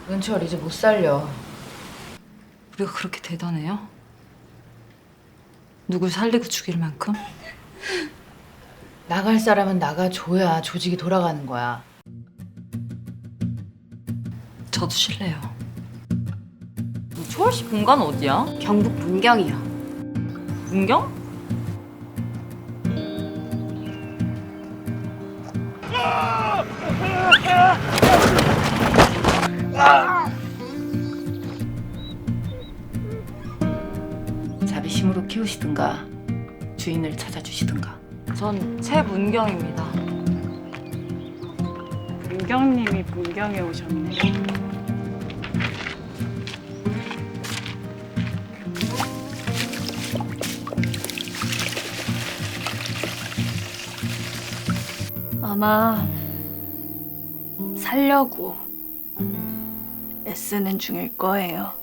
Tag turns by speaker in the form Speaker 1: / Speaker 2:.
Speaker 1: 은철 이제 못 살려.
Speaker 2: 우리가 그렇게 대단해요? 누굴 살리고 죽일 만큼?
Speaker 1: 나갈 사람은 나가줘야 조직이 돌아가는 거야.
Speaker 2: 저도 실례요. 초월 씨 본관 어디야?
Speaker 3: 경북 문경이요.
Speaker 2: 문경?
Speaker 1: 자비심으로 키우시든가 주인을 찾아주시든가.
Speaker 2: 전 최문경입니다.
Speaker 4: 문경님이 문경에 오셨네.
Speaker 3: 아마 살려고 애쓰는 중일 거예요.